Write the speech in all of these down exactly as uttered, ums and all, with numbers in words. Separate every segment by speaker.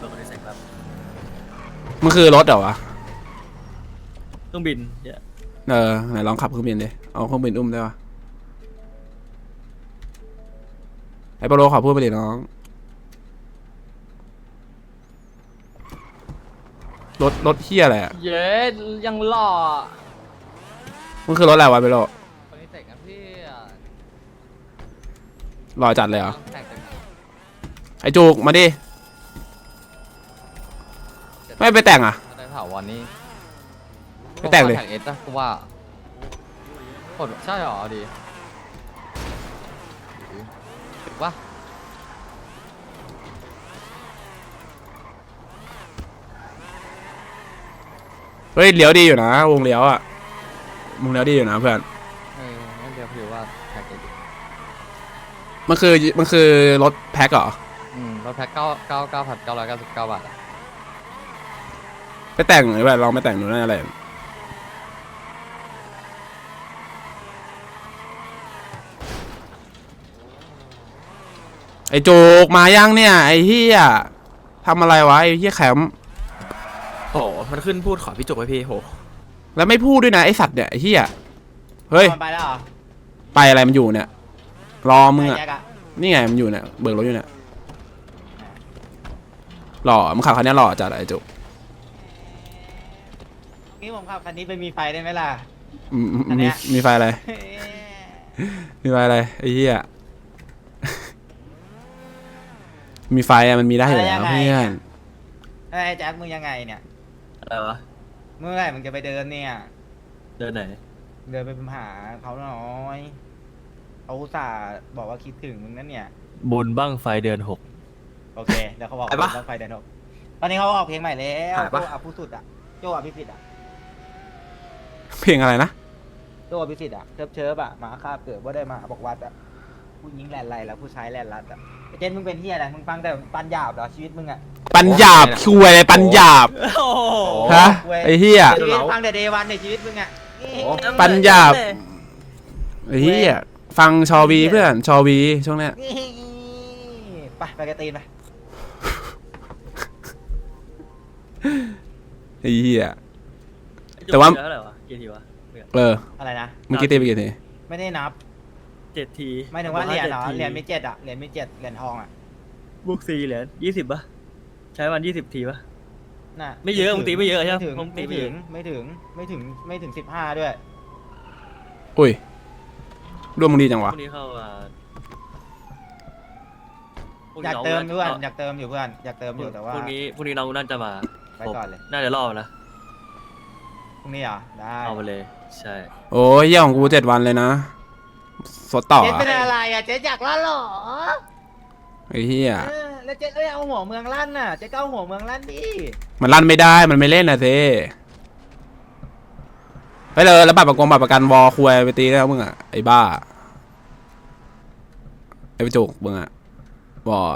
Speaker 1: ดคนที่ใส่ครับ
Speaker 2: มันคือรถเหรอวะ
Speaker 1: เครื่องบินเนี่ย
Speaker 2: เออไหนลองขับเครื่องบินดิเอาเครื่องบินอุ้มได้ปะไอ้ปโลขอพูดไปดิน้องรถรถเฮียอะไรอ่ะ
Speaker 3: เย้ยังหล่อ
Speaker 2: มันคือรถอะไรวะไปโล
Speaker 3: คนนี้แต่งกันพี่
Speaker 2: รอจัดเลยเหรอ
Speaker 3: แต่งแต่ง
Speaker 2: ไอ้จูกมาดิไม่ไปแต่งอ่ะ
Speaker 3: ได้เผาวันนี้
Speaker 2: ไปแต่งเลย
Speaker 3: แต่งเอสนะกูว่าผลใช่หรอดีถูกปะ
Speaker 2: เฮ้ยเลี้ยวดีอยู่นะวงเลี้ยวอ่ะวงเลี้ยวดีอยู่นะเพื่อน
Speaker 3: เอองั้นเดี๋ยวพี่ว่าแต่งเอส
Speaker 2: มันคือมันคือรถแพ็คเหรอ
Speaker 3: อืมรถแพ็คเก้าเก้าเก้าพันเก้าร้อยเก้าสิบเก้าบาทอะ
Speaker 2: ไปแต่งหรือแบบลองไปแต่งดูน่าอะไรไอ้จูกมายังเนี่ยไอ้เฮียทำอะไรวะไอ้เฮียแคมป์
Speaker 1: โอ้มันขึ้นพูดขอพี่จุกไว้พี่โห
Speaker 2: แล้วไม่พูดด้วยนะไอสัตว์เนี่ยไอ้เหี้ยเฮ้ย
Speaker 4: ไปแล้วเหรอ
Speaker 2: ไปอะไรมันอยู่เนี่ยรอมึงอะ
Speaker 4: แยกอะ
Speaker 2: นี่ไงมันอยู่เนี่ยเบิกรถอยู่เนี่ยหล่อมึงขับคันนี้หล่อจัดไอ้จุก
Speaker 4: นี่ผมขับคันนี้ไปมีไฟได้ไหมล่ะ
Speaker 2: อืม
Speaker 4: อันเนี้
Speaker 2: มี
Speaker 4: ย
Speaker 2: มีไฟอะไร มีไฟอะไรไอ้เหี้ย มีไฟอะมันมีได้อยู่แล้วเพื่อน
Speaker 4: ไอ้แจ็คมึงยังไงเนี่ย
Speaker 1: อะไรวะ
Speaker 4: เมื่อไหร่มึงจะไปเดินเนี่ย
Speaker 1: เดินไหน
Speaker 4: เดินไปหาเขาหน่อยเขาอุตส่าห์บอกว่าคิดถึงมึงนั่นเนี่ย
Speaker 1: บุญบ้างไฟเดือนหก
Speaker 4: โอเคเดี๋ยวเขาบอก
Speaker 1: ไปปะ
Speaker 4: รถไฟเดินหกตอนนี้เขาออกเพลงใหม่แล้ว
Speaker 1: ถ่ายปะ
Speaker 4: โจอภิสุทธิ์อะโจอภิสิทธิ์อะ
Speaker 2: เพลงอะไรนะ
Speaker 4: โจอภิสิทธิ์อะเชิบเชิบอะหมาคาบเกิดว่าได้มาบอกวัดอะผู้หญิงแลนไรแล้วผู้ชายแลนรัดอะไอ้เจนมึงเป็นเฮียอะไรมึงฟังแต่ปันหยาบเหรอชีวิตมึงอะ
Speaker 2: ปัญญาบคุยอะไรปัญญาบ
Speaker 1: โอ้โห
Speaker 2: ฮะไอ้เหี้ย
Speaker 4: ชีวิตฟังแต่เดวันในชีวิตมึงอะ
Speaker 2: ปัญญาบ ไอ้เหี้ยฟังชอวีเพื่อนชอวีช่วงเนี้ย
Speaker 4: ไปไปกระตีนไป
Speaker 2: ไอ้เหี้ย แต่ว่า
Speaker 1: เท่าไหร่วะกี่ทีวะ
Speaker 2: เออ
Speaker 4: อะไรนะ
Speaker 2: เมื่อกี้ตีไปกี่ที
Speaker 4: ไม่ได้นับ
Speaker 1: เจ็ดที
Speaker 4: หมายถึงว่าเหรียญเหรอ
Speaker 1: จ็ดที
Speaker 4: เหรียญมีเจ็ดอะเหรียญมีเจ็ดเหรียญทองอะ
Speaker 1: บุกสี่เหรียญยี่สิบปะใช้วันยี่สิบทีปะ
Speaker 4: น่ะ
Speaker 1: ไม่เยอะมึงตีไม่เยอะใช่ปะ
Speaker 4: ไม่ถึง
Speaker 1: มึงตี
Speaker 4: ไม่
Speaker 1: ไม่เย
Speaker 4: ถึ
Speaker 1: อะ
Speaker 4: งไม่ถึงไม่ถึงไม่ถึงสิบห้าด้วย
Speaker 2: อุ้ยร่วมมึงดีจัง
Speaker 1: พ
Speaker 2: วะ
Speaker 1: รุ่งนี้เข้ามาพรุ่ง
Speaker 4: อยาก
Speaker 1: น้ง
Speaker 4: เติมเพื่อน
Speaker 1: า
Speaker 4: อยากเติมอยู่เพื่อนอยากเติมอยู่แต่ว่า
Speaker 1: พรุ่งนี้พรุ่งนี้น้องน่าจะมา
Speaker 4: ไปก่อนเลย
Speaker 1: น่าจะรอบนะ
Speaker 4: พรุ่งนี้เหรอได้
Speaker 1: เอาไปเลยใช่
Speaker 2: โอ้ยเหี้ยของกูเจ็ดวันเลยนะสดต่อ
Speaker 4: เจ๊
Speaker 2: อะ
Speaker 4: เป็นอะไรอะเจ๊อยากลั่นเหรอ
Speaker 2: ไอ้เหี้ย
Speaker 4: เออแล้วเจ๊เอ้ยเอาหัวเมืองลั่นน่ะเจ๊ก็เอาหัวเมืองลั่นดิ
Speaker 2: มันลั่นไม่ได้มันไม่เล่นนะเซ่ไปเลยแล้วบัตรประกงบัตรประกันวอคุยไปตีแล้วมึงอ่ะไอ้บ้าไอ้ไปจุกมึงอ่ะวอ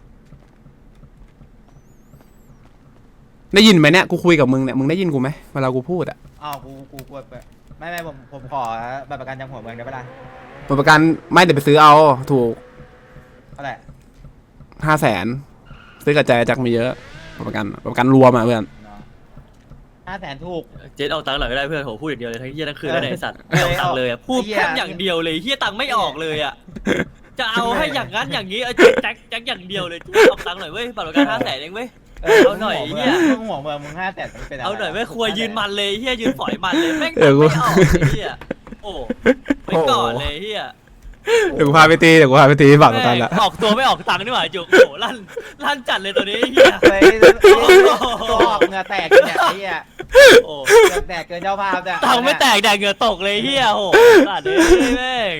Speaker 2: ได้ยินไหมเนี่ยกูคุยกับมึงเนี่ยมึงได้ยินกูไหมเวลากูพูดอ่ะ
Speaker 4: อ้าวกูกูกลัวไปไม่ไม่ผมผมขอบัตรประกันจากหัวเมืองได้ปะล่ะ
Speaker 2: บัตรประกันไม่เดี๋ยวไปซื้อเอาถูก
Speaker 4: เท่าไหร่
Speaker 2: ห้าแสนซื้อกระจายจากมีเยอะบัตรประกันบัตรประกันรวมอ่ะเพื่อน
Speaker 4: ห้าแสนถูก
Speaker 1: เจ๊เอาตังค์หน่อยไม่ได้เพื่อนโหพูดอย่างเดียวเลยทั้งเฮียทั้งคืนแล้วเนี่ยไอ้สัตว์
Speaker 4: เออ
Speaker 1: ไม่เอาตังค์เลยอะพูด
Speaker 4: เหี้ย
Speaker 1: แค่อย่างเดียวเลยเฮียตังค์ไม่ออกเลยอะจะเอาให้อย่างนั้นอย่างนี้เอาแจ็คแจ็คแจ็คอย่างเดียวเลยเอาตังค์หน่อยเว้ยบัตรประกันห้าแสนเองเว้ย เอาหน่อย
Speaker 4: หัว
Speaker 1: เหี้
Speaker 4: เมือย งมึงหัวเมืองมึงห้าแสนมันเป็นอะไร
Speaker 1: เอาหน่อยไม่ควรยืนมันเลยเฮียยืนฝอยมันเลยแม่ง
Speaker 2: เอ
Speaker 1: ตัง
Speaker 2: อ
Speaker 1: ค์
Speaker 2: กู
Speaker 1: ไม่ออกเฮียโอ้ไปก่อนเลยเฮีย
Speaker 2: เดี๋ยวกูพาไปตีเดี๋ยวกูพาไปตีบัตรประกันละ
Speaker 1: แม่งออกตัวไม่ออกตังค์นี่หว่าจุกโอ้โหลั่นลั่นจัดเลยตัวนี้เฮีย
Speaker 4: เฮ้ยตัวออกเหงื่อแตกเนี่ยไอ้เหี้ย
Speaker 1: โอ้
Speaker 4: เหงื่อแตกเกินเจ้าภาพเนี่ย
Speaker 1: ตังค์ไม่แตกแดกเหงื่อตกเลยเฮียโอ้โหสัตว์เลยแม่ง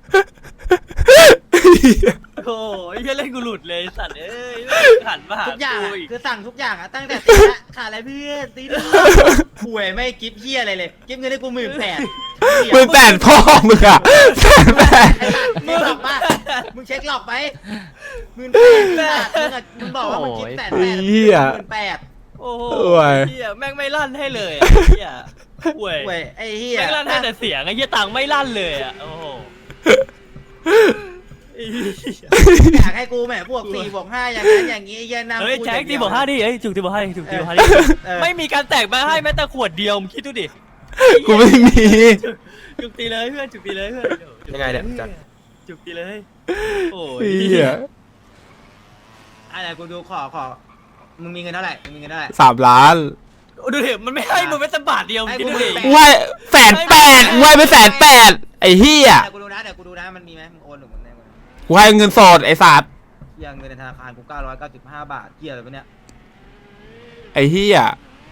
Speaker 1: โอ้ยเฮียเล่นกูหลุดเลยสัตว์เอ้ยหันมาหา
Speaker 4: ทุกอย่าง
Speaker 1: กู
Speaker 4: อะ
Speaker 1: อีก
Speaker 4: คือสั่งทุกอย่างอะตั้งแต่ตีละขาดอะไรเพื่อนตีละป่วยไม่กิฟเหี้ยอะไรเลยกิฟเงินให้กูหมื่นแปด
Speaker 2: หมื่นแปดพ่อมึงอ่ะแสนแปด
Speaker 4: ไอ้สัตว์มึงหลอกปะมึงเช็คหลอกไปหมื่นแปดมึงอะมึงบอกว่ามึงกิฟแสนแปดหมื่นแปด
Speaker 1: โอ้โห
Speaker 2: โอ้ย
Speaker 1: เฮียแม่งไม่ลั่นให้เลยอะเฮียป่วย
Speaker 4: ป่วยไอ้เหี้ย
Speaker 1: แม่งลั่นให้แต่เสียงไอ้เฮียตังค์ไม่ลั่นเลยอ่ะโอ้โห
Speaker 4: อยากให้กูแหมบวกสี่บวกห้าอย่างนั้นอย่างนี้เย็นนะ
Speaker 1: เฮ้ยแจ็คตีบอกห้าดิเฮ้ยจุกตีบอกห้าดิจุกตีบอกห้าดิไม่มีการแตกมาให้แม้แต่ขวดเดียวมึงคิดดูดิ
Speaker 2: กูไม่มี
Speaker 1: จุกตีเลยเพื่อนจุกตีเลยเพื่อน
Speaker 3: ยังไงเนี่ยจัด
Speaker 1: จุกตีเลยโอ้
Speaker 2: ไอ้
Speaker 1: ย
Speaker 2: เหี้ย
Speaker 4: อะไรกูดูขอขอมึงมีเงินเท่าไหร่มึงมีเงินเท่าไหร่
Speaker 2: สามล้าน
Speaker 1: ดูดิมันไม่ให้มึงแม้แต่บาทเดียวมึงคิดดูดิ
Speaker 2: ไหวแสนแปดไหวไปแสนแปดไอ้เหี้ย
Speaker 4: เดี๋ยวกูดูนะเดี๋ยวกูดูนะมันมีไหมมึงโอนหรือมึงได้เงิน
Speaker 2: กูให้เงินสดไอ้สัตว์
Speaker 4: เหี้ยเงินในธนาคารกูเก้าร้อยเก้าสิบห้าบาทเหี้ยอะไรวะเนี่ย
Speaker 2: ไอ้เหี้ย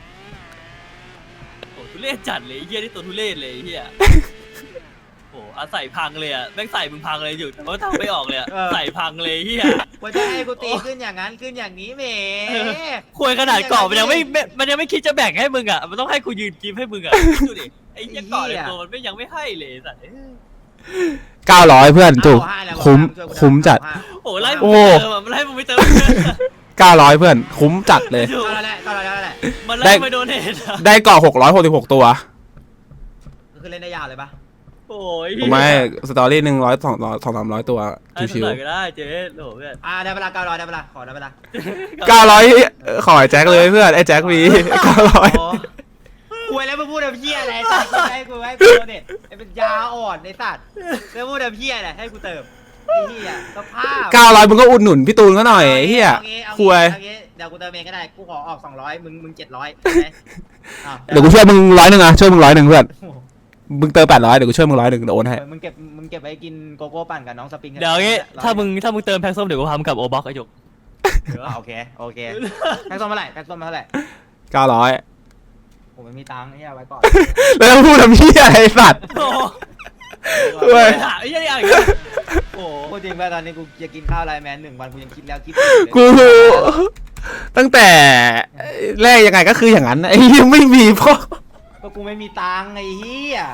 Speaker 1: โอ้ทุเรศจัดเลยไอ้เฮียนี่ตัวทุเรศเลยไอ้เฮียโอ้อาศัยพังเลยอ่ะแม่งใส่มึงพังเลยอยู่แต่ว่าทำไม่ออกเลยอ่ะใส่พังเลยไอ้เฮีย
Speaker 4: ว่าจะให้กูตีขึ้นอย่างนั้นขึ้นอย่างนี้แหม
Speaker 1: ควยขนาดเกาะมันยังไม่มันยังไม่คิดจะแบ่งให้มึงอ่ะมันต้องให้กูยืนกิฟให้มึงอ่ะดูดิไอ้เฮียเกาะในตัวมันไม่ยังไม่ให้เลยสัตว์
Speaker 2: เก้าร้อยเพื่อนจุกคุ้มคุ้มจัด
Speaker 1: โอ้ไล่มึงไปเติมอ่ะมันไล่มึงไปเติม
Speaker 2: เก้าร้อยเพื่อนคุ้มจัดเลย
Speaker 4: ก็แล้วแหละก็แล้วแหละ
Speaker 1: มันไล่ไปโดนเห็ดอ่ะ
Speaker 2: ได้เกาะหกร้อยหกสิบหกตัว
Speaker 4: คือเล่นได้ยาวเลยปะ
Speaker 1: โอ้ย
Speaker 2: ผมไม่สตอรี่หนึ่งร้อยสองร้อยสองสามร้อยตัว
Speaker 1: ชิ
Speaker 2: ชิ
Speaker 1: ว
Speaker 2: ว
Speaker 1: ๆก็ได้เจ๊โหเพื่อน
Speaker 4: อ่าได้เวลาเก้าร้อยได้เวลาขอได้เวลา
Speaker 2: ๆเก้าร้อยขอไอ้แจ็คเลยเพื่อนไอ้แจ็คมีเก้าร้อย
Speaker 4: คุยแล้วมึงพูดแบบเพี้ยอะไรสัตว์ให้กูให้กูเนี่ยไอ้เป็นยาอ่อนไอ้สัตว์แล้วพูดแบบเพี้ยอะไรให้กูเติมไอ้เหี้ยสภาพ
Speaker 2: เก้าร้อยมึงก็อุดหนุนพี่ตูนก็หน่อยไอ้เหี้ยคุย
Speaker 4: เดี๋ยวกูเติมเองก็ได้กูขอออกสองร้อยมึงมึงเจ็ดร้อยไหม
Speaker 2: เดี๋ยวกูช่วยมึงร้อยหนึ่งอะช่วยมึงร้อยหนึ่งเพื่อนมึงเติมแปดร้อยเดี๋ยวกูช่วยมึงร้อยหนึ่งเดี๋ยวโอนให้
Speaker 4: มึงเก็บมึงเก็บไว้กินโกโก้ปั่นกับน้องสปริง
Speaker 1: เดี๋ยวงี้ถ้ามึงถ้ามึงเติมแพ็กส้มเดี๋ยวกูพามึงกลับโอบ็อกไอ้จุก
Speaker 4: โอเคโอเคแพ็กส้มเท่าไหร่แพ็กส้มเท่าไหร่
Speaker 2: เก้าร้อย
Speaker 4: ผมไม่มีตังค์ไอ้เหี้ยไว้ก่อน
Speaker 2: แล้วพูดทำเหี้ยอะไรสัตว์
Speaker 1: โอ้
Speaker 2: เว้ย
Speaker 1: ถามไอ้เหี้ยนี่อะไรกันโอ้
Speaker 4: พูดจริงป่ะตอนนี้กูจะกินข้าวไลน์แมนหนึ่งวันกูยังคิดแล้วคิด
Speaker 2: กูตั้งแต่แรกยังไงก็คืออย่างนั้นไอ้เหี้ยังไม่มีพ่อ
Speaker 4: ก็กูไม่มีตังค์ไอ้เหี้ย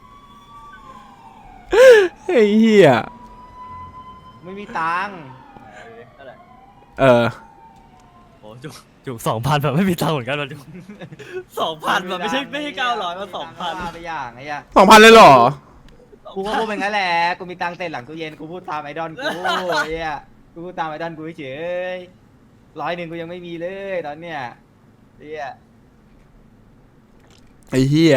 Speaker 2: ไอ้เหี้ย
Speaker 4: ไม่มีตังค์
Speaker 2: เออ
Speaker 1: โหจุกจุกสองพันแบบไม่มีตังค์เหมือนกันว่ะจุกสองพันแบบไม่ใช่ไม่ใช่เก้าร้อยมาสองพัน
Speaker 4: ไปอย่างไอ้เหี้ย
Speaker 2: สองพันเลยเหรอ
Speaker 4: กูก็พูดเป็นงั้นแหละกูมีตังค์เต็มหลังตู้เย็นกูพูดตามไอดอลกูไอ้เหี้ยกูพูดตามไอดอลกูเฉยร้อยหนึ่งกูยังไม่มีเลยตอนเนี้ยไอ้เหี้ย
Speaker 2: ไอ้เหี้ย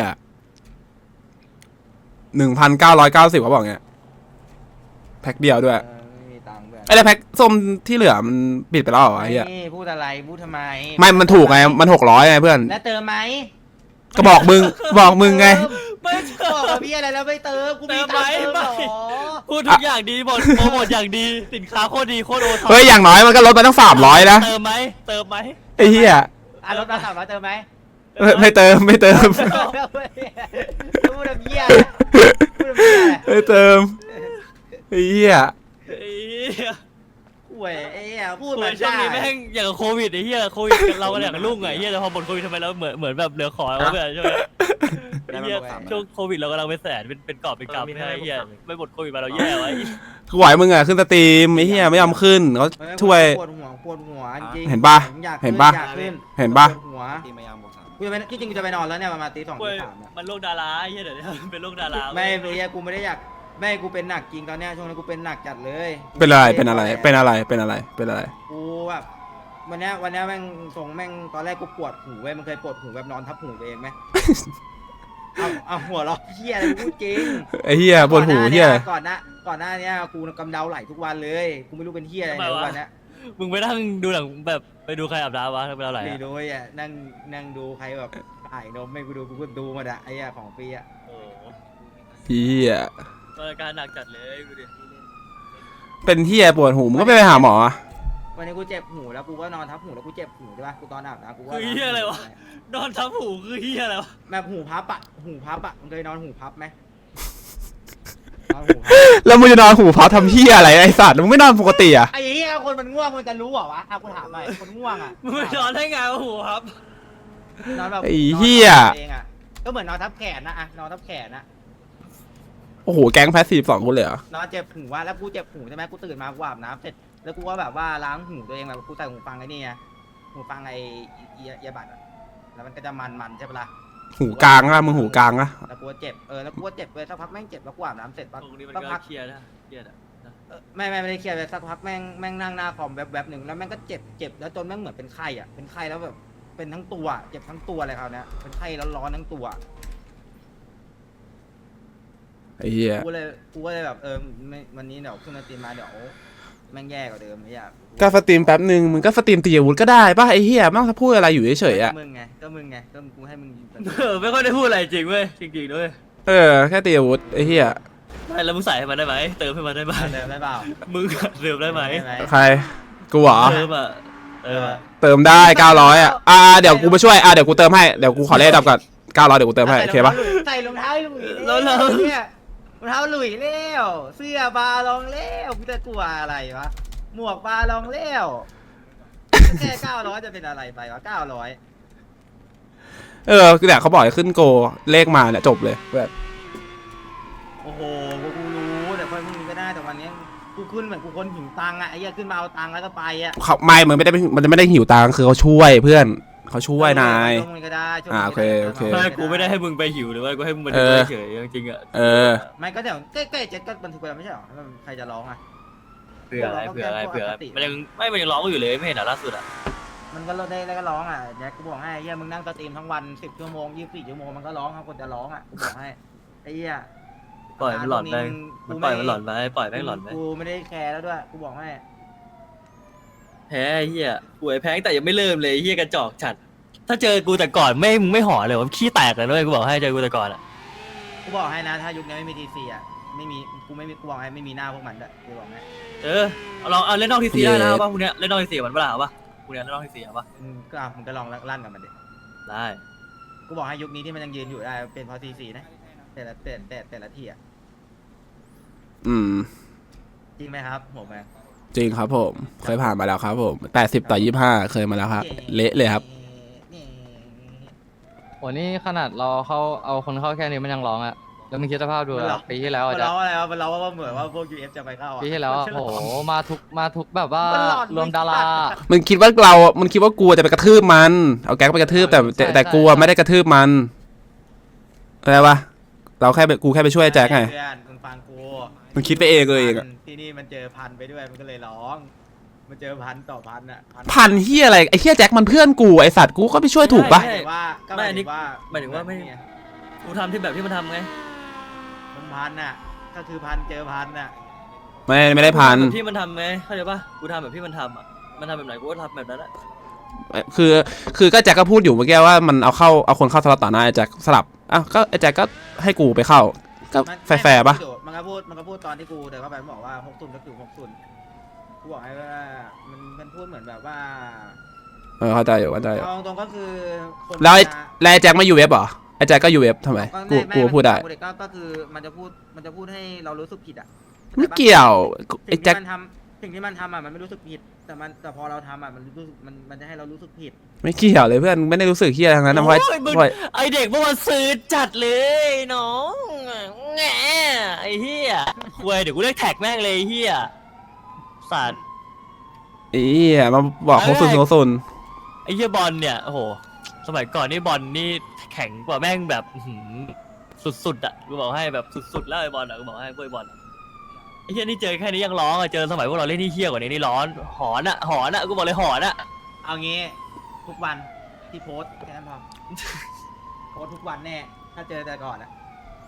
Speaker 2: หนึ่งพันเก้าร้อยเก้าสิบเขาบอกเงี้ยแพ็คเดียวด้วย
Speaker 4: เออไม่มีตังค์เพื่อน
Speaker 2: ไอ้แล้วแพ็คส้มที่เหลือมันปิดไปแล้วเหรอไอ้เหี้ย
Speaker 4: นี่พูดอะไรพูดทำไม
Speaker 2: ไม่มันถูกไงมันหกร้อยไงเพื่อน
Speaker 4: แล้วเติมไหม
Speaker 2: ก็บอกมึงบอกมึงไง
Speaker 1: ไม่
Speaker 4: บอกกับพี่อะไรแล้วไม่เติมกูมี
Speaker 1: เติม
Speaker 4: ตังค์
Speaker 1: ไหม
Speaker 4: เติมเหรอ
Speaker 1: พูดทุกอย่างดีหมดโปรโมทอย่างดีสินค้าโคตรดีโคตรโอท็อป
Speaker 2: เฮ้ยอย่างน้อยมันก็ลดไปตั้งสามร้อยนะ
Speaker 1: เติมไหมเติมไหม
Speaker 2: ไอ้เหี้ย
Speaker 4: อ่ะรถมาสามร้อยเติมไหม
Speaker 2: ไม่ไม่เติมไม่เติม
Speaker 4: พูดแบบเหี้ยพูดแบบเหี้ย
Speaker 2: ไม่เติมไอ้เหี้ย
Speaker 1: ไอ้เหี้ย
Speaker 4: ห่วยไอ้เหี้ยพูด
Speaker 1: โอ้
Speaker 4: แบ
Speaker 1: ย
Speaker 4: บ
Speaker 1: ช่วง
Speaker 4: ได้
Speaker 1: นี้แม่งอย่างกับโควิดไอ้เหี้ยโควิดเราก็อยากกับลุ่งไงไอ้เหี้ยแต่พอหมดโควิดทำไมเราเหมือนเหมือนแบบเหลือขอแล้วแบบใช่ไหมไอ้เหี้ยช่วงโควิดเรากำลังไปแสนเป็นเป็นกอบเป็นกำไม่ใช่ไอ้เหี้ยไม่หมดโควิดมาเราแย่ไว้
Speaker 2: ไหวมึงอ่ะขึ้นสตรีมไอ้เหี้ยไม่ยอมขึ้นเขาช่วย
Speaker 4: ปวดหัวปวดหัวจริง
Speaker 2: เห็นปะ
Speaker 4: ผมอยาก
Speaker 2: เห็นปะ
Speaker 4: อยากขึ้น
Speaker 2: เห็นปะ
Speaker 4: ปวดหัว
Speaker 5: ตีมายามบอกสาม
Speaker 4: กูจะไปที่จริงกูจะไปนอนแล้วเนี่ยประมาณตีสอง
Speaker 1: เว้
Speaker 4: ตี
Speaker 1: ย
Speaker 4: สามเนี่ย
Speaker 1: มันโรคดาราไอ้เหี้ยเดี๋ยวนี้เป็นโรคดารา
Speaker 4: ไม่ไอ้เหี้ยกูไม่ได้อยากไม่กูเป็นหนักจริงตอนเนี้ยช่วงนี้กูเป็นหนักจัดเลย
Speaker 2: เป็นอะไรเป็นอะไรเป็นอะไรเป็นอะไรเป็นอะไร
Speaker 4: กูแบบวันเนี้ยวันเนี้ยแม่งทรงแม่งตอนแรกกูปวดหูเว้ยมันเคยปวดหูแบบนอนทับหูตัวเองไหม เอาเอาหัวเราะเหี้ยอะไรกูพูดจริง
Speaker 2: ไอ้เหี้ยปวดหูเหี้ย
Speaker 4: ก่อนหน้าก่อนหน้าเนี้ยกูกำเดาไหลทุกวันเลยกูไม่รู้เป็นเหี้ยอะไรในทุกวันเนี้ย
Speaker 1: มึงไปนั่งดูหนังแบบไปดูใครอาบน้ำวะไปเอาไหน
Speaker 4: ไม่รู้อ่ะนั่งนั่งดูใครแบบถ่ายนมไม่กูดูกูก็ดูหมาอะไอ้เหี้ยของฟรีอ่ะ
Speaker 1: โอ้โห
Speaker 2: เหี้ย
Speaker 1: อาการหนักจัดเลยดูดิ
Speaker 2: เป็นเหี้ยปวดหูมึงก็ไปหาหมอ
Speaker 4: วันนี้กูเจ็บหูแล้วกูก็นอนทับหูแล้วกูเจ็บหูใช่ปะกูตอนอาบน้ำกูก็
Speaker 1: คือเหี้ยอะไรวะนอนทับหูคือเหี้ยอะไรวะ
Speaker 4: แบบหูพับอะหูพับอะมึงเคยนอนหูพับไหมนอนหูพับ
Speaker 2: แล้วมึงจะนอนหูพับทำเหี้ยอะไรไอ้สัตว์มึงไม่นอนปกติอ่ะ
Speaker 4: ไอ้เหี้ยคนมันง่วงมันจะรู้เหรอวะอ่ะกูถามหน่อยคนง่วงอะ
Speaker 1: มึงไปนอนได้ไงวะหูครับ
Speaker 4: นอนแบบ
Speaker 2: ไอ้เหี้ย
Speaker 4: นอนทับตัวเองอะก็เหมือนนอนทับแขนนะอะนอนทับแขนนะ
Speaker 2: โอ้โหแก๊งแพสซีฟสองคนเลยเหรอน
Speaker 4: อนเจ็บหูว่าแล้วกูเจ็บหูใช่ไหมกูตื่นมากูอาบน้ำเสร็จแล้วกูก็แบบว่าล้างหูตัวเองแบบกูใส่หูฟังไอ้นี่ไงหูฟังไอ้เอียเอียบัดอะแล้วมันก็จะมันมันๆใช่ปะล่ะ
Speaker 2: หูกลางอะมึงหูกลางอะ
Speaker 4: แล้วกูก็เจ็บเออแล้วกูก็เจ็บเลยสักพักแม่งเจ็บแล้วกูอาบน้ำเสร็จปั๊บ
Speaker 1: ตรงนี้มัน
Speaker 4: สัก
Speaker 1: ก็
Speaker 4: พัก
Speaker 1: เครียดนะเครียดอะนะ
Speaker 4: เออไม่ไม่ไม่ได้เครียดเลยสักพักแม่งแม่งนั่งหน้าคอมแวบๆหนึ่งแล้วแม่งก็เจ็บเจ็บแล้วจนแม่งเหมือนเป็นไข้อ่ะเป็นไข้แล้วแบบเป็นทั้งตัวเจ็บทั้งตัวเลยคราวเนี้ยเป็นไข้แล้วร้อนทั้งตัว
Speaker 2: ไอ้เหี้ย
Speaker 4: กูเลยกูก็เลยแบบเออไม่วันนี้เดี๋ยวขึ้นมาตีมาเดี๋ยวแม่งแย่กว่าเดิมไม่อยาก
Speaker 2: ก็สตรีมแป๊บหนึ่งมึงก็สตรีมตีอาวุธก็ได้ป่ะไอ้เหี้ยไม่ต้องพูดอะไรอยู่เฉยๆอ่ะ
Speaker 4: มึงไงก็มึงไงก็กูให้มึงยิง
Speaker 1: เออไม่ค่อยได้พูดอะไรจริงเว้ยจริงๆด้วย
Speaker 2: เออแค่ตีอาวุธไอ้เหี้ย
Speaker 1: ไม่แล้วมึงใส่ให้มันได้ไหมเติมให้มันได้ไหม
Speaker 4: เดิมได้เปล่า
Speaker 1: มึงเติมได้ไหม
Speaker 2: ใครกูเหรอ
Speaker 1: เติมอ่ะเติมอ่ะ
Speaker 2: เติมได้เก้าร้อยอ่ะอ่าเดี๋ยวกูมาช่วยอ่าเดี๋ยวกูเติมให้เดี๋ยวกูขอเลขดับก่อนเก้าร้อยเดี๋ยวกูเติมให้โอเคปะ
Speaker 4: ใส่รองเท้าหลุยแล้วเนี่ยรองเท้าหลุยแล้วเสื้อบาลองแล้วกูจะกลัวอะไรวะหมวกบาลองแล้วแค่เก้าร้อยจะเป็นอะไรไปวะเก้าร้อย
Speaker 2: เออคือเนี่ยเขาบอกให้ขึ้นโกเลขมาเนี่ยจบเลยแบบ
Speaker 4: โอ้โหกูรู้แต่ค่อยมึงก็ได้แต่วันนี้กูขึ้นเหมือนกูคนหิวตังค์อะไอ้เหี้ยขึ้นมาเอาตังค์แล้วก็ไปอะ
Speaker 2: เขาไม่มันไม่ได้มันจะไม่ได้หิวตังค์คือเขาช่วยเพื่อนเขาช่วยนาย
Speaker 4: ช่วงนี้ก็ได้ช่วง
Speaker 2: อ่า
Speaker 4: นี้
Speaker 2: โอเคโอเค
Speaker 1: ไม่กูไม่ได้ให้มึงไปหิวหรือว่ากูให้มึงมาดูเฉยๆจริงๆอ่ะ
Speaker 2: เออ
Speaker 4: ไม่ก็เดี๋ยวใกล้ๆเจ็ดก็บันทึกไปแล้วไม่ใช่หรอแล้วใครจะร้องอะ
Speaker 1: เผื่ออะไรเผื่ออะไรเผื่อมันยังไม่มันยังร้องอยู่เลยไม่เห็นเหรอล่าสุดอ่ะ
Speaker 4: มันก็ได้แล้วก็ร้องอ่ะแจ็คกูบอกให้ไอ้เหี้ยมึงนั่งสตรีมทั้งวันสิบชั่วโมงยี่สิบสี่ชั่วโมงมันก็ร้องครับคนจะร้องอ่ะกูบอกให้ไอ้เหี้ย
Speaker 1: ปล่อยมันหลอนไปมันปล่อยมันหลอนไปปล่อยแม่งหลอนไป
Speaker 4: กูไม่ได้แคร์แล้วด้วยกูบอกให้
Speaker 1: แพ้เฮียป่วยแพ้แต่ยังไม่เริ่มเลยเฮียกระจอกจัดถ้าเจอกูแต่ก่อนไม่มึงไม่ห่อเลยว่าขี้แตกเลยด้วยกูบอกให้เจอกูแต่ก่อนอ่ะ
Speaker 4: กูบอกให้นะถ้ายุคนี้ไม่มีทีซีอ่ะไม่มีกูไม่มีกูบอกให้ไม่มีหน้าพวกมันด้วยกูบอกให้
Speaker 1: เออเอาลองเอาเล่นนอกทีซีได้นะป่ะพวกเนี้ยเล่นนอกทีซีมันเปล่าป่ะพวกเนี้ยเล่นนอกทีซีป่ะ
Speaker 4: มึงก็อ่ะมึงก็ลองลั่นกับมันดิ
Speaker 1: ได้
Speaker 4: กูบอกให้ยุคนี้ที่มันยังยืนอยู่ได้เป็นเพอทีซีนะแต่ละแต่แต่แต่ละที่อ่ะ
Speaker 2: อืม
Speaker 4: จริงไหมครับหัวแมง
Speaker 2: จริงครับผมเคยผ่านมาแล้วครับผมแปดสิบต่อยี่สิบห้าเคยมาแล้วครับเละเลยครับ
Speaker 3: โหนี่ขนาดเราเข้าเอาคนเข้าแค่นี้มันยังร้องอะแล้วมึงคิดสภาพดู
Speaker 4: มันร้
Speaker 3: อะ
Speaker 4: อง
Speaker 3: ปีที่แล้ว
Speaker 4: มั
Speaker 3: อะ
Speaker 4: น
Speaker 3: จ๊ะ
Speaker 4: ร้องอะไรวะมันร้องว่าเหมือนว่าพวก ยู เอฟ จะไปเข้าอ่ะ
Speaker 3: ปีที่แล้วอะโอ้โหมาทุกมาทุกแบบว่า
Speaker 4: มันหลอน
Speaker 3: รวมดารา
Speaker 2: มึงคิดว่าเรา มันคิดว่ากูจะไปกระทืบมัน เอาแก๊งไปกระทืบแต่แต่
Speaker 3: ใช่
Speaker 2: แต่
Speaker 3: ใช่
Speaker 2: กูอะไม่ได้กระทืบมันอะไรวะเราแค่ไปกูแค่ไปช่วยแจ็คไง
Speaker 4: เพื่อนมึงฟังกู
Speaker 2: มึงคิดไปเองเลยเองอะ
Speaker 4: ที่นี่มันเจอพันไปด้วยมันก็เลยร้อง มันเจอพันต่อพันอ่ะ
Speaker 2: พันเฮียอะไรไอ้เฮียแจ็คมันเพื่อนกูไอสัตว์กูก็ไปช่วยถูกปะ
Speaker 4: หมายถึงว่าก็หมายถึงว่า
Speaker 1: หมายถึงว่าไม่กูทำที่แบบที่มันทำไง
Speaker 4: มันพันอ่ะก็คือพันเจอพันอ่ะ
Speaker 2: ไม่ไม่ได้พัน
Speaker 1: แบบที่มันทำไงเข้าใจป่ะกูทำแบบที่มันทำอ่ะมันทำแบบไหนกูก็ทำแบบนั้นแหละ
Speaker 2: คือคือก็แจ็คก็พูดอยู่เมื่อกี้ว่ามันเอาเข้าเอาคนเข้าสลับต่อหน้าไอ้แจ็คสลับอ่ะก็ไอ้แจ็คก็ให้กูไปเข้าก็
Speaker 4: มัน
Speaker 2: แฟร์ๆปะ
Speaker 4: มันก็พูดมันก็พูดตอนที่กูเดินเข้าไปมันบอกว่าหกศูนย์ก็คือหกศูนย์กูบอกให้ว่ามันมันพูดเหมือนแบบว่า
Speaker 2: เออเข้าใจอยู่เข้าใจอยู่
Speaker 4: เอาตรงๆก็คือคน
Speaker 2: แล้วไอ้
Speaker 4: จะ
Speaker 2: แล้วไอ้แจ็คมาอยู่เว็บเหรอไอ้แจ็คก็อยู่เว็บทำไมกู
Speaker 4: ไม่
Speaker 2: กู
Speaker 4: ไม่
Speaker 2: พูดได้
Speaker 4: มันก็ก็คือมันจะพูดมันจะพูดให้เรารู้สึกผิดอ่ะ
Speaker 2: ไม่เกี่ยวไอ้
Speaker 4: สิ่ง
Speaker 2: แจ็ค
Speaker 4: ที่มันทำสิ่งที่มันทำอ่ะมันไม่รู้สึกผิด แต่มันแต่พอเราทำอ่ะมันรู้สึกมันมันจะให้เรารู้สึกผิด
Speaker 2: ไม่เกี่ยวเลยเพื่อนไม่ได้รู้สึกเฮียทั้งนั้นนะเพราะ
Speaker 1: โอ้ยมึง
Speaker 2: เพราะ
Speaker 1: ไอเด็กเมื่อวันซื้อจัดเลยน้องแง่ไอเฮียคุยเดี๋ยวกูเรียกแท็กแม่งเลยไอ้เฮียสัตว์
Speaker 2: ไอ้เฮียมาบอกเขาซุนเขาซุน
Speaker 1: ไอเฮียบอลเนี่ยโอ้โหสมัยก่อนนี่บอลนี่แข็งกว่าแม่งแบบอื้อหือสุดๆอ่ะกูบอกให้แบบสุดๆแล้วไอบอลอ่ะกูบอกให้พวกไอบอลอะไอเฮียนี่เจอแค่นี้ยังร้องอ่ะเจอสมัยพวกเราเล่นที่เฮียกว่านี้นี่ร้อนหอนอ่ะหอนอ่ะกูบอกเลยหอนอ่ะ
Speaker 4: เอางี้ทุกวันที่โพสต์แค่นั้นพอ โพสต์ทุกวันแน่ถ้าเจอแต่ก่อนอ่ะ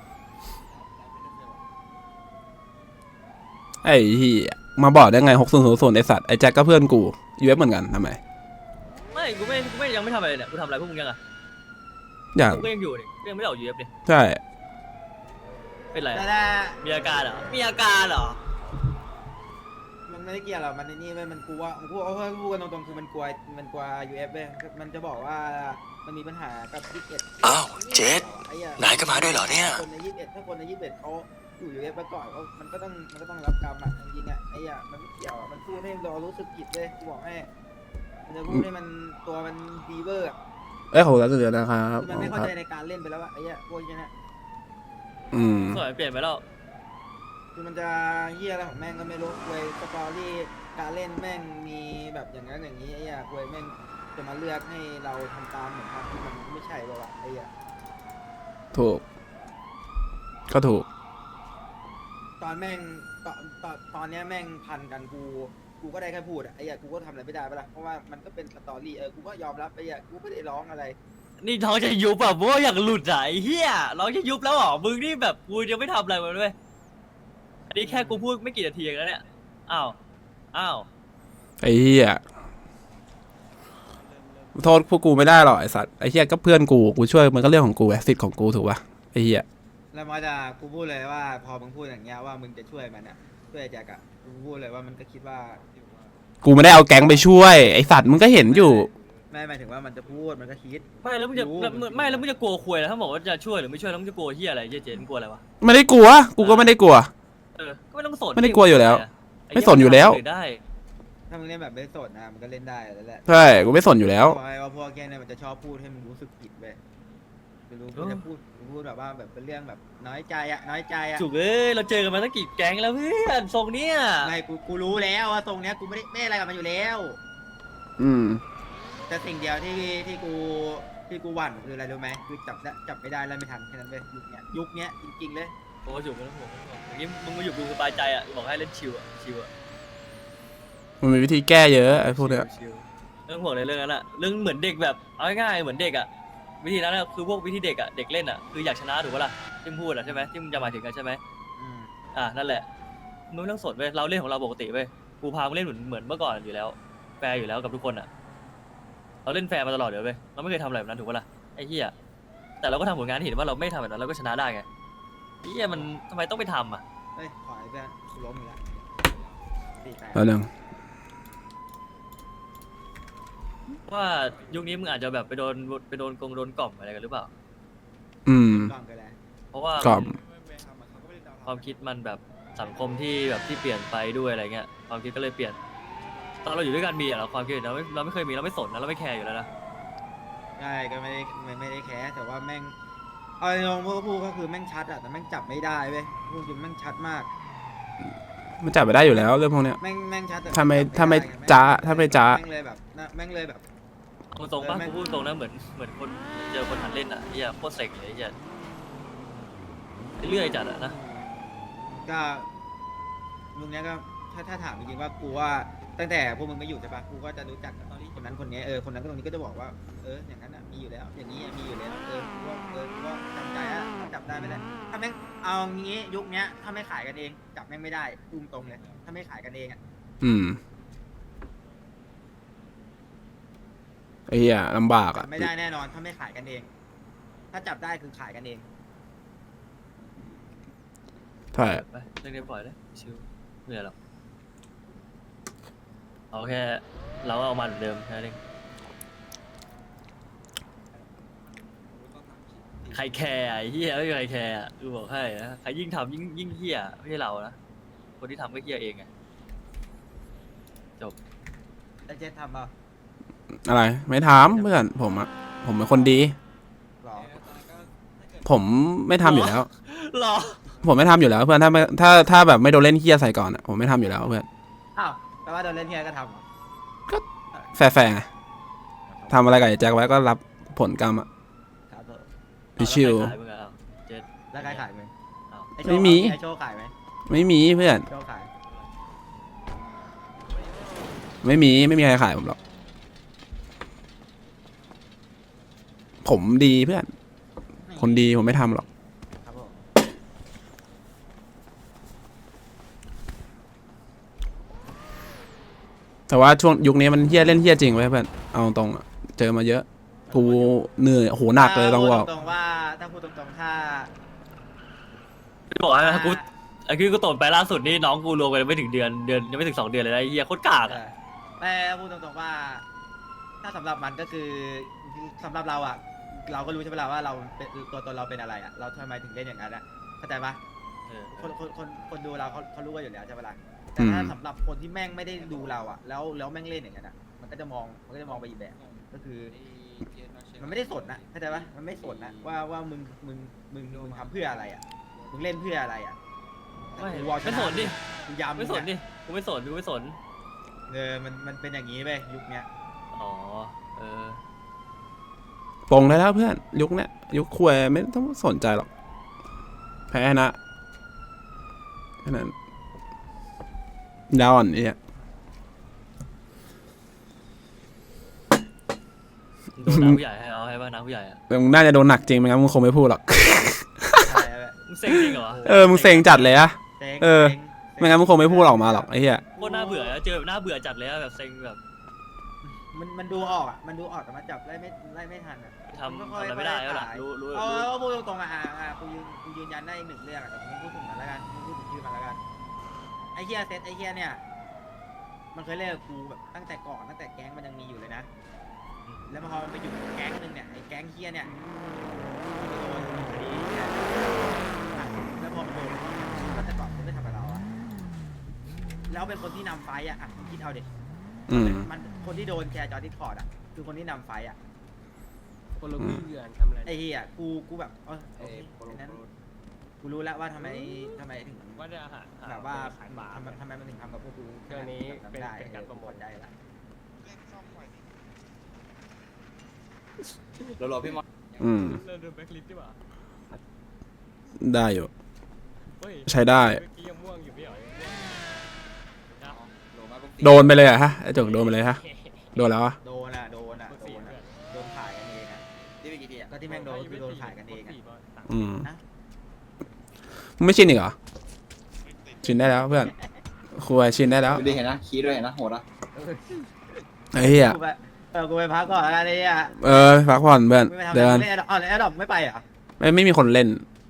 Speaker 2: ไอ้เฮียมาบอกได้ไงหกซุนเขาซุนไอสัตว์ไอ้แจ็คก็เพื่อนกูอยู่เว็บเหมือนกันทำไม
Speaker 1: ไม่กูไม่กูไม่ยังไม่ทำอะไรเนี่ยกูทำอะไรพวกมึงยังอ่ะ
Speaker 2: อย่าง
Speaker 1: กูก็ยังอยู่นี่กูยังไม่ได้ออกยูเอฟเลย
Speaker 2: ใช่
Speaker 1: เป็นไร
Speaker 4: แต่
Speaker 1: อะ
Speaker 4: ถ้า
Speaker 1: มีอาการเหรอมีอาการเหรอ
Speaker 4: มันไม่ได้เกี่ยวหรอกมันในนี่เว้ยมันกลัวมันกลัวเอาพูดกันตรงๆคือมันกลัวมันกลัว ยู เอฟ เว้ยมันจะบอกว่ามันมีปัญหากับยี่สิบเอ็ด
Speaker 5: อ้าวเจษ
Speaker 4: ไอ้เหี้ย
Speaker 5: นายก็มาด้วยเหรอเนี่ย
Speaker 4: คนในยี่สิบเอ็ดถ้าคนในยี่สิบเอ็ดเขาอยู่ ยู เอฟ มาก่อนเขามันก็ต้องมันก็ต้องรับกรรมอ่ะจริงๆอ่ะไอ้เหี้ยมันไม่เกี่ยวอะมันพูดให้เรารู้สึกผิดเลยกูบอกให้มันจะพูดให้มันตัวมันฟีเวอร์อะ
Speaker 2: เอ้ยขอบคุณแล้วเดือนนะครับ
Speaker 4: คือ
Speaker 2: ข
Speaker 4: มั
Speaker 2: อน บ
Speaker 4: ไม่
Speaker 2: คุณ
Speaker 4: เข้า
Speaker 2: ครับ
Speaker 4: ใจในการเล่นไปแล้วอะไอ้เหี้ยพวกนี้นะ
Speaker 2: อืม
Speaker 1: สมัยเปลี่ยนไปแล้ว
Speaker 4: คือมันจะเหี้ยอะไรของแม่งก็ไม่รู้เว้ยสตอรี่การเล่นแม่งมีแบบอย่างนั้นอย่างนี้ไอ้เหี้ยเว้ยแม่งจะมาเลือกให้เราทำตามเหมือนกันที่มันไม่ใช่ป่าวะไอ้เหี้ย
Speaker 2: ถูก ก็ถูก
Speaker 4: ตอนแม่งตอนตอนตอนเนี้ยแม่งพันกันกูกูก็ได้แค่พูดอะไอ้เหี้ยกูก็ทำอะไรไม่ได้ปะล่ะเพราะว่ามันก็เป็นสตอรี่เออกูก็ยอมรับไปอ่ะกูไม่ได้ร้องอะไร
Speaker 1: นี่ท้องจะยุบแบบว่าอยากหลุดอ่ะไอ้เหี้ยร้องจะยุบแล้วเหรอมึงนี่แบบกูยังไม่ทำอะไรมาด้วยอันนี้แค่กูพูดไม่กี่นาทีเองแล้วเนี่ยอ้าวอ้าว
Speaker 2: ไอ้เหี้ยโทษพวกกูไม่ได้หรอกไอ้สัตว์ไอ้เหี้ยก็เพื่อนกูกูช่วยมันก็เรื่องของกูไอ้สิทธิ์ของกูถูกป่ะไอ้เหี้ย
Speaker 4: แล้วมาจะกูพูดเลยว่าพอมึงพูดอย่างเงี้ยว่ามึงจะช่วยมันอ่ะช่วยไอ้แจ็คอะกูพูดเลยว่ามันก็คิดว่า
Speaker 2: กูไม่ได้เอาแก๊งไปช่วยไอ้สัตว์มึงก็เห็นอยู่
Speaker 4: ไม่หมายถึงว่ามันจะพูดมันก็คิด
Speaker 1: ไม่แล้วมึงจะ
Speaker 4: รู้
Speaker 1: แล้วมึงไม่แล้วมึงจะกลัวคุยแล้วถ้าบอกว่าจะช่วยหรือไม่ช่วยแล้วมึงจะกลัวเหี้ยอะไรเจ๊เจ๊มึงกลัวอะไรวะ
Speaker 2: ไม่ได้กลัวกูก็ไม่ได้กลัว
Speaker 1: เออก็ไม่ต้องสน
Speaker 2: ไม่ได้กลัวอยู่แล้ว
Speaker 1: อ้
Speaker 2: ไม่สนอยู่แล้ว
Speaker 1: ได้
Speaker 4: ถ้ามึงเล่นแบบไม่สดนะมันก็เล่นได้แล้วแหละ
Speaker 2: ใช่กูไม่สนอยู่แล้ว
Speaker 4: บอกไงว่าพวกแกเนี่ยมันจะชอบพูดให้มึงรู้สึกผิดเว้ยไม่รู้มันจะพูดพูดแบบว่าแบบเป็นเรื่องแบบน้อยใจอะน้อยใจอะ
Speaker 1: จุกเอ้ยเราเจอกันมาตั้งกี่แก๊งแล้วเพื่อนทรงเนี้ย
Speaker 4: ไม่กูกูรู้แล้วว่าตรงเนี้ยกูไม่ได้ไม่อะไรกับมันอยู่แล้ว
Speaker 2: อืม
Speaker 4: แต่สิ่งเดียวที่ที่กูที่กูหวั่นคืออะไรรู้ไหมคือจับได้จับไม่ได้แล้วไม่ทันแค่นั้นเว้ยยุคเนี้ยยุคเนี้ยจริงๆเลย
Speaker 1: โอ้จุกไม่ต้องห่วงไม่ต้องห่วงอย่างนี้มึงมาอยู่กูสบายใจอ่ะบอกให้เล่นชิวอ่ะชิวอ่ะ
Speaker 2: มันมีวิธีแก้เยอะไอ้พวกเนี้ย
Speaker 1: ชิวๆเรื่องห่วงในเรื่องนั้นอ่ะเรื่องเหมือนเด็กแบบเอาง่ายๆเหมือนเด็กอ่ะวิธีนั้นอะคือพวกวิธีเด็กอ่ะเด็กเล่นอ่ะคืออยากชนะถูกปะล่ะที่มึงพูดอ่ะใช่ไหมที่มึงจะหมายถึงกันใช่ไหม
Speaker 4: อืม
Speaker 1: อ่ะนั่นแหละมึงไม่ต้องสนเว้ยเราเล่นของเราปกติเว้ยกูพามึงเล่นเหมือนเหมือนเมื่อก่อนอยู่แล้วแฟร์อยู่แล้วกับทุกคนอ่ะเราเล่นแฟร์มาตลอดเดี๋ยวเว้ยเราไม่เคยทำอะไรแบบนั้นถูกปะล่ะไอ้เหี้ยแต่เราก็ทำผลงานให้เห็นว่าเราไม่ทำแบบนั้นเราก็ชนะได้ไงไอ้เหี้ยมันทำไมต้องไปทำอ่ะ
Speaker 4: เฮ้ยขอไอ้เพื่อนกูล้มอีกแล้วสี่แปด
Speaker 2: แล้วนึง
Speaker 1: ว่ายุคนี้มึงอาจจะแบบไปโดนไปโดนกงโดนกล่อมอะไรกันหรือเปล่า
Speaker 2: อืม
Speaker 4: กล่องกันแล้ว
Speaker 1: เพราะว่า
Speaker 2: กล่อม
Speaker 1: ความคิดมันแบบสังคมที่แบบที่เปลี่ยนไปด้วยอะไรเงี้ยความคิดก็เลยเปลี่ยน ตอนเราอยู่ด้วยกันมีอะเราความคิดเราไม่เราไม่เคยมีเราไม่สนนะเราไม่แคร์อยู่แล้วนะ
Speaker 4: ใช่ก็ไม่ได้ไม่ไม่ได้แคร์แต่ว่าแม่งเอาลงพวกพูดก็คือแม่งชัดอะแต่แม่งจับไม่ได้เว้ยพูดจริงแม่งชัดมาก
Speaker 2: มันจับไปได้อยู่แล้วเรื่องพวกเนี้ย
Speaker 4: แม่งแม่งชัดแต่
Speaker 2: ถ้าไม่
Speaker 4: จับ
Speaker 2: ถ้าไม่
Speaker 4: ด้ง
Speaker 2: จ๊ะถ้าไม่จ๊ะ
Speaker 4: แม่งเลยแบบน่ะแม่งเลยแบบ
Speaker 1: เอาตรงป่ะ
Speaker 4: เออแม่ง
Speaker 1: กูพูดตรงนะเหมือนเหมือนคนเจอคนหันเล่นอ่ะเฮียโคตรเซ็งเลยเฮียเรื่อยจัดอะนะ
Speaker 4: ก็ลุงเนี้ยก็ถ้าถ้าถามจริงๆว่ากูว่าตั้งแต่พวกมึงไม่อยู่ใช่ปะกูก็จะรู้จักคนนั้นคนนี้เออคนนั้นก็ตรงนี้ก็จะบอกว่าเอออย่างนั้นอ่ะมีอยู่แล้ว อย่างนี้มีอยู่แล้วเออกูว่าเออกูว่าจำใจอ่ะจับได้ไม่ได้ถ้าแม่งเอางี้ยุคเนี้ยถ้าไม่ขายกันเองจับแม่งไม่ได้อุ้มตรงเลยถ้าไม่ขายกันเองอ่ะ
Speaker 2: อืมไอ้เหี้ยลำบากอ่ะ
Speaker 4: ไม่ได้แน่นอนถ้าไม่ขายกันเอง ถ้าจับได้คือขายกันเอง
Speaker 2: ใช่
Speaker 1: ไปเรื่องนี้ปล่อยเลยชิวไม่เหนื่อยหรอกเอาแค่เราก็เอามันเหมือนเดิมแค่นั้นเองใครแคร์ไอ้เฮียไม่มีใครแคร์อะกูบอกให้นะใครยิ่งทำยิ่งยิ่งเฮียไม่ใช่เรานะคนที่ทำก็เฮียเองไง
Speaker 4: แล้วเจ๊ทำเปล่า
Speaker 2: อะไรไม่ถามเพื่อนผมอ่ะผมเป็นคนดี
Speaker 4: หรอ
Speaker 2: ผมไม่ทำอยู่แล้ว
Speaker 1: หรอ
Speaker 2: ผมไม่ทำอยู่แล้วเพื่อนถ้าไม่ถ้าถ้าแบบไม่โดนเล่นเฮี้ยใส่ก่อนอ่ะผมไม่ทำอยู่แล้วเพื่อน
Speaker 4: อ้าวแปลว่าโดนเล่นเฮียก็ทำเหรอ
Speaker 2: แฟร์ๆไงทำอะไรกับไอ้แจ็คไว้ก็รับผลกรรมอ่ะ
Speaker 4: ครับผม
Speaker 2: พี่ชิว
Speaker 1: เอาแล้วใครขายมึงอะเอาเจ็ด
Speaker 4: แล้วใครขายไหม
Speaker 1: เอา
Speaker 4: ไอ้โช
Speaker 2: ไม่
Speaker 4: ว์
Speaker 2: มี
Speaker 4: ไอ้โชว์ขายไหม
Speaker 2: ไม่มีเพื่อน
Speaker 4: โชว์ขาย
Speaker 2: ไม่มีไม่มีใครขายผมหรอกผมดีเพื่อน คนดีผมไม่ทำหรอก
Speaker 4: ครับผม
Speaker 2: แต่ว่าช่วงยุคนี้มันเฮี้ยเล่นเฮี้ยจริงไว้ยเพื่อนเอาตรงๆอะเจอมาเยอะกูเหนื่อยโหหนักเลยต้องบอก
Speaker 4: ถ้าพูดตรงๆว่าถ้าพูดตรงๆถ้า
Speaker 1: บอกให้นะกูไอ้คือกูตดไปล่าสุดนี่น้องกูรวมกันไม่ถึงเดือนเดือนยังไม่ถึงสองเดือนเลยนะไอ้เฮียโคตรกาก
Speaker 4: เอ
Speaker 1: อะ
Speaker 4: อแต่พูดตรงๆว่า ถ้าสำหรับมันก็คือสำหรับเราอ่ะ เราก็รู้ใช่ไหมล่ะว่าเราเป็นตัวตนเราเป็นอะไรอ่ะเราทำไมถึงเล่นอย่างนั้นอ่ะเข้าใจปะ
Speaker 1: เออ
Speaker 4: คนคนคนคนดูเราเขาเขารู้กันอยู่แล้วใช่ไหมล่ะแต่ถ้าสำหรับคนที่แม่งไม่ได้ดูเราอ่ะ แล้วแล้วแม่งเล่นอย่างนั้นอ่ะมันก็จะมองมันก็จะมองไปอีกแบบก็คือ มันไม่ได้สนนะเข้าใจปะมันไม่สนนะว่าว่ามึงมึงมึงมึงทำเพื่ออะไรอ่ะมึงเล่นเพื่ออะไรอ่ะ
Speaker 1: ไม่
Speaker 4: กูวอลช
Speaker 1: ไม่
Speaker 4: นะ
Speaker 1: สนดิ
Speaker 4: กูยำ
Speaker 1: ไม่สนดิกูไม่สนกูไม่สน
Speaker 4: เออมันมันเป็นอย่างนี้ไปยุคเนี้ย
Speaker 1: อ๋อเออ
Speaker 2: ปลงได้แล้วเพื่อนยุคเนี้ยยุคควยไม่ต้องสนใจหรอกแพ้ชนะแพ้แค่นั้นดาวอ่อนไอ้เนี่ย
Speaker 1: โดนน้าผู้ใหญ่ให้เอาให้ป่ะน้าผู้ใหญ่อะ
Speaker 2: แต่มึงน่าจะโดนหนักจริงไม่งั้นมึงคงไม่พูดหรอก
Speaker 4: ใช่ไหม
Speaker 1: มึงเซ็งจริงเหรอวะ
Speaker 2: เออมึงเซ็งจัดเลยอะ
Speaker 4: เซ็ง
Speaker 2: เออ
Speaker 4: ซ็ง
Speaker 2: ไม่งั้นมึงคงไม่พูดออกมาหรอกไอ้เหี้ย
Speaker 1: โคตรน่าเบื่ออะเจอแบบน่าเบื่อจัดเลยอะแบบเซ็งแบบ
Speaker 4: มันมันดูออกอ่ะมันดูออกแต่มันจับไล่ไม่ไล่ไม่ทันอ่ะ
Speaker 1: ทำทำอะไรไม่ได้แล้วล่ะรู้รู้
Speaker 4: เอา
Speaker 1: รู้
Speaker 4: เอาพูดตรงๆอ่ะอ่ะอ่ะกูยืนกูยืนยันได้อีกหนึ่งเรื่องอ่ะแต่กูไม่พูดถึงมันแล้วกันกูพูดถึงชื่อมันแล้วกันไอ้เฮียเซตไอ้เฮียเนี่ยมันเคยเล่นกับกูแบบตั้งแต่ก่อนตั้งแต่แก๊งมันยังมีอยู่เลยนะแล้วพอมันไปอยู่แก๊งหนึ่งเนี่ยไอ้แก๊งเฮียเนี่ยโดนคดีเนี่ยอ่ะแล้วพอมันโดนตั้งแต่ก่อนมันไม่ทำกับเราอ่ะแล้วเป็นคนที่นำไฟอ่ะอ่ะมึงคิดเอาดิ
Speaker 2: อืม
Speaker 4: มันคนที่โดนแชร์จอดิสคอร์ดอ่ะคือคนที่นำไฟอ่ะ
Speaker 6: คนละเพื่อนทำอะไร
Speaker 4: ไอ้เหี้ยกูกูแบบเออโอเคดังนั้นกูรู้แล้วว่าทำไมทำไมถึง
Speaker 6: ว่าจะหา
Speaker 4: แบบว่า
Speaker 6: ขายบาร์
Speaker 4: ทำไมทำไมมันถึงทำกับพวกกู
Speaker 6: เรื่องนี้เป็น
Speaker 4: ได้
Speaker 6: เป็นการโปรโมท
Speaker 4: ได้ละ
Speaker 7: รอๆพี่มอส
Speaker 2: อืม
Speaker 6: เริ่มดูแบ็คลิสต์ดีกว่า
Speaker 2: ได้อยู่
Speaker 6: เฮ้ย
Speaker 2: ใช้ได้
Speaker 6: เมื่อกี้ยังม่วงอยู่ไม่เหรอยังม่วงนะ
Speaker 7: โลมาปุ๊บ
Speaker 2: โดนไปเลยอะฮะไอ้จุกโดนไปเลยฮะโดนแล้วอะ
Speaker 4: โดนอ่ะโดนอ่ะ
Speaker 6: เบอร์
Speaker 4: โด
Speaker 6: สี่
Speaker 4: น
Speaker 6: เพื่
Speaker 4: อ่ะ
Speaker 6: อน
Speaker 4: โดนขายกันเองอ่ะ
Speaker 7: ที่ไปกี่ทีอ่ะ
Speaker 4: ก็ที่แม่งโดนคือโดนขายกันเองอ่ะ
Speaker 2: อืมมึงไม่ชินอีกเหรอชินได้แล้วเพื่อนคุยชินได้แล้ว
Speaker 7: ดูดิเห็นนะคีย์ด้วยเห็นนะโหดนะ
Speaker 2: ไอ้เหี้ย
Speaker 4: กูไปเออกูไปพักก่อนแล้วกันไอ้เหี้ย
Speaker 2: เออพักผ่อนเพื่อน
Speaker 4: ไม่ไปทำ
Speaker 2: เดิน
Speaker 4: เล่นอ๋อแล้วแอดดอปไม่ไปเหรอ่ะ
Speaker 2: ไม่ไม่มีคนเล่น